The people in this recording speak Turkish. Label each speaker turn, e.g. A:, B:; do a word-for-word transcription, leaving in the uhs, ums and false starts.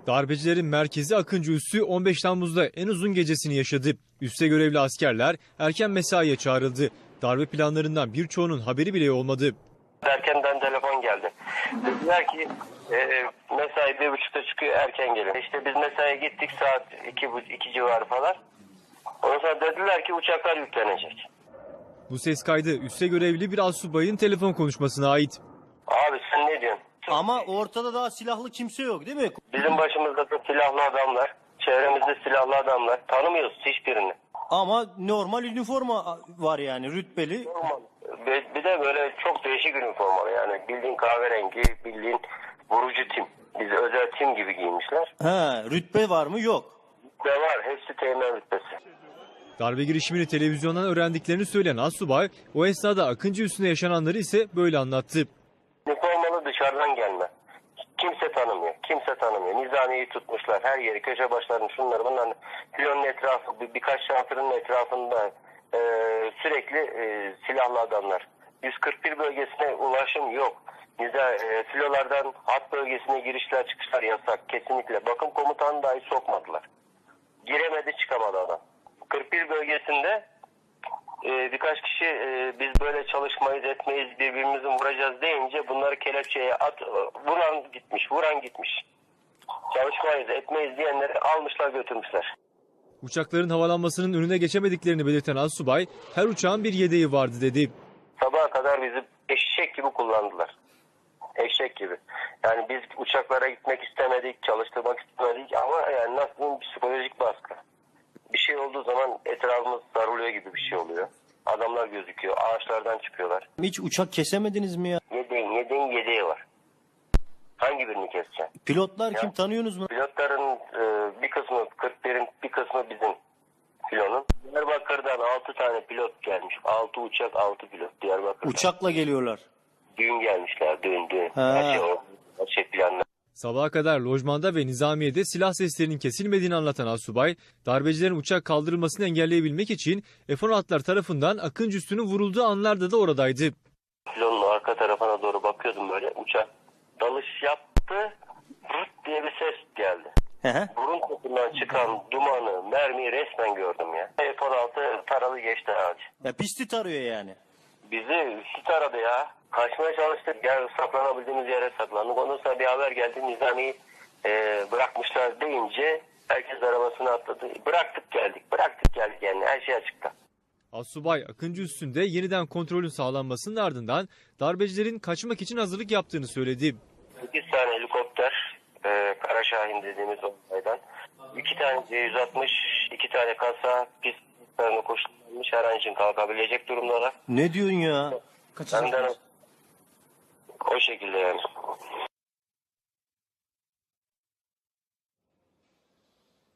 A: Darbecilerin merkezi Akıncı Üssü on beş Temmuz'da en uzun gecesini yaşadı. Üste görevli askerler erken mesaiye çağrıldı. Darbe planlarından birçoğunun haberi bile olmadı.
B: Erkenden telefon geldi. Dediler ki e, mesai bir buçukta çıkıyor, erken gelin. İşte biz mesaiye gittik saat iki, iki civarı falan. Ondan sonra dediler ki uçaklar yüklenecek.
A: Bu ses kaydı üste görevli bir astsubayın telefon konuşmasına ait.
B: Abi sen ne diyorsun?
C: Ama ortada daha silahlı kimse yok değil mi?
B: Bizim başımızda da silahlı adamlar, çevremizde silahlı adamlar. Tanımıyoruz hiçbirini.
C: Ama normal üniforma var yani rütbeli.
B: Bir bir de böyle çok değişik üniformalı yani bildiğin kahverengi, bildiğin vurucu tim. Biz özel tim gibi giymişler.
C: He, rütbe var mı? Yok.
B: Ve var, hepsi teğmen rütbesi.
A: Darbe girişimini televizyondan öğrendiklerini söyleyen astsubay, o esnada Akıncı Üssü'nde yaşananları ise böyle anlattı.
B: Üniformalı dışarıdan gelme. Kimse tanımıyor, kimse tanımıyor. Nizamiyeyi tutmuşlar, her yeri, köşe başlarını, şunları, bunların filonun etrafı, bir, birkaç şantırın etrafında e, sürekli e, silahlı adamlar. yüz kırk bir bölgesine ulaşım yok. Niza, e, filolardan hat bölgesine girişler çıkışlar yasak, kesinlikle. Bakım komutanı dahi sokmadılar. Giremedi, çıkamadı adam. kırk bir bölgesinde e, birkaç kişi e, biz böyle çalışmayız, etmeyiz, birbirimizi vuracağız deyince bunları kelepçeye at, vuran gitmiş, vuran gitmiş. Çalışmayız, etmeyiz diyenleri almışlar, götürmüşler.
A: Uçakların havalanmasının önüne geçemediklerini belirten astsubay, her uçağın bir yedeği vardı dedi.
B: Sabaha kadar bizi eşek gibi kullandılar. Eşek gibi. Yani biz uçaklara gitmek istemedik, çalıştırmak istemedik ama yani nasıl diyeyim, psikolojik baskı. Bir şey olduğu zaman etrafımız sarılıyor gibi bir şey oluyor. Adamlar gözüküyor, ağaçlardan çıkıyorlar.
C: Hiç uçak kesemediniz mi ya?
B: Yedeğin, yedeğin yedeği var. Hangi birini keseceksin?
C: Pilotlar
B: Ya.
C: kim, tanıyorsunuz mu?
B: Pilotların e, bir kısmı kırk birin, bir kısmı bizim filonun. Diyarbakır'dan altı tane pilot gelmiş. altı uçak, altı pilot Diyarbakır'dan.
C: Uçakla geliyorlar.
B: Düğün gelmişler, düğün, düğün.
C: Ha.
B: Her şey o, her şey planlı.
A: Sabaha kadar lojmanda ve nizamiyede silah seslerinin kesilmediğini anlatan astsubay, darbecilerin uçak kaldırılmasını engelleyebilmek için F on altılar tarafından Akıncı Üssü'nün vurulduğu anlarda da oradaydı.
B: Filonun arka tarafına doğru bakıyordum böyle. Uçak dalış yaptı. Rıt diye bir ses geldi.
C: Hı hı.
B: Burun topundan çıkan dumanı, mermiyi resmen gördüm ya. F on altı taralı geçti ağacı.
C: Ya pisti tarıyor yani.
B: Bizi sit aradı ya. Kaçmaya çalıştık. Gel saklanabildiğimiz yere saklandık. Ondan sonra bir haber geldi. Nizami'yi e, bırakmışlar deyince herkes arabasına atladı. Bıraktık geldik. Bıraktık geldik yani. Her şey açıkta.
A: Astsubay Akıncı Üssü'nde yeniden kontrolün sağlanmasının ardından darbecilerin kaçmak için hazırlık yaptığını söyledi.
B: sekiz tane helikopter, e, Kara Şahin dediğimiz olaydan. iki tane C yüz altmış, iki tane kasa, pist tarafına koşulmuş, her an için kalkabilecek durumdalar.
C: Ne diyorsun ya?
B: Benden o şekilde yani.